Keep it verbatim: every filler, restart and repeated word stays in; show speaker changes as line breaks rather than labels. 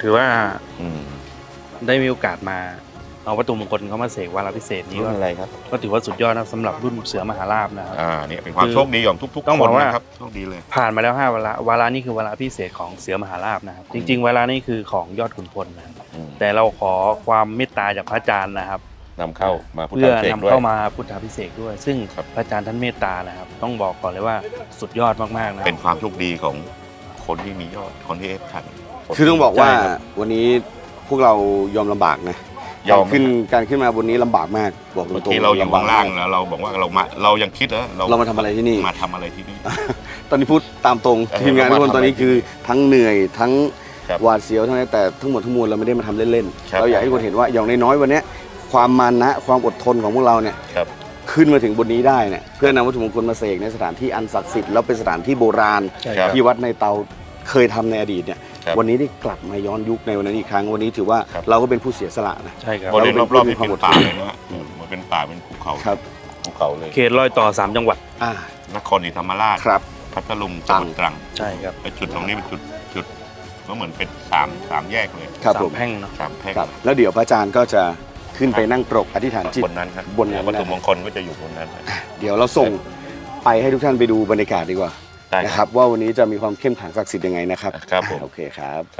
ถือว่า
อืม
ได้มีโอกาสมาเอาวัตถุมงคลเข้ามาเสกวาระพิเศษนี้
รุ่
ก็
นอะไรครับ
ก็ถือว่าสุดยอดนะสำหรับรุ่นเสือมหาราชนะครับ
อ่าเนี่ยเป็นความโชคดีของทุกๆ
ต้อง
ค
บอน กว่า
นะครับโชคดีเลย
ผ่านมาแล้วห้าวาระวาระนี่คือวาระพิเศษของเสือมหาราชนะครับ จริง ๆ วาระนี่คือของยอดขุนพลนะครับ
อืม
แต่เราขอความเมตตาจากพระอาจารย์นะครับ
นำเข้ามาพุทธ
เพื่อ
เสก
นำ
ด้วย
เข้ามาพุทธาพิเศษกด้วย ซึ่ง
ครับ
พระอาจารย์ท่านเมตตานะครับ ต้องบอกก่อนเลยว่าสุดยอดมากๆนะ
เป็นความโชคดีของคนที่มียอดคนที่เอฟทัน
คือต้องบอกว่า
ใช่ครับ
วันนี้พวกเรายอมลำบากนะ
ยอม
การขึ้นการขึ้นมาบนนี้ลำบากมากบอกตร
บาง
ง
ที
ๆ
เราอยู่
ำบ
ข้าก งล่าง
มก
แล้วเราบอกว่าเรามาเรายังคิดนะ
เรามาทำอะไรที่นี่
มาทำอะไรที่นี่
ตอนนี้พูดตามตรง
เออ
ทีมงานทุกคน
เรามาทำ
ตอนนี้คือทั้งเหนื่อยทั้ง
ครับ
หวาดเสียวทั้งนั้นแต่ทั้งหมดทั้งมวลเราไม่ได้มาทำเล่น
ครับ
ๆเราอยากให้คนเห็นว่าอย่างน้อยๆวันเนี้ยความมานะความอดทนของพวกเราเนี่ย
ครับ
ขึ้นมาถึงบนนี้ได้เนี่ยเพื่อนำวัตถุมงคลมาเสกในสถานที่อันศักดิ์สิทธิ์แล้วเป็นสถานที่โบราณ
ใช่
ค
ค
รั
รับ บ
ที่วัดในเตาเคยทำในอดีตเนี่ย
ครับ
วันนี้ได้กลับมาย้อนยุคในวันนั้นอีกครั้งวันนี้ถือว่า
ครับ
เราก็เป็นผู้เสียสละนะ
ใช่ครับ
บริเวณรอบๆนี่
เราเป็
เป็น น
ความอดทน
ป่าเลยนะฮะอืมมันเป็นป่าเป็นภูเขา
ครับ
ภูเขาเลย
เขตรอยต่อสามจังหวัด
อ่าน
ครศรีธรรมราช
ครับ
พัทลุงจังหวัดตรัง
ใช่ครับ
ไอ้จุดตรงนี้เป็นจุดจุดก็เหมือนเป็นสามสามแยกเลย
ครับ
สา
ผม ม
แพร่งเนาะ
สามแพร่ง
ครับแล้วเดี๋ยวพระอาจารย์ก็จะขึ้นไปนั่งปรกอธิษฐานจิต
บนนั้นครับ
บนนั้น
วัตถุมงคลก็จะอยู่บนนั้นนะ
เดี๋ยวเราส่งไปให้ทุกท่านไปดูบรรยากาศดีกว่า
ได้
นะค
ครั
รับ บว่าวันนี้จะมีความเข้มขลังศักดิ์สิทธิ์ยังไงนะครับ
ครับผม
โอเคครับ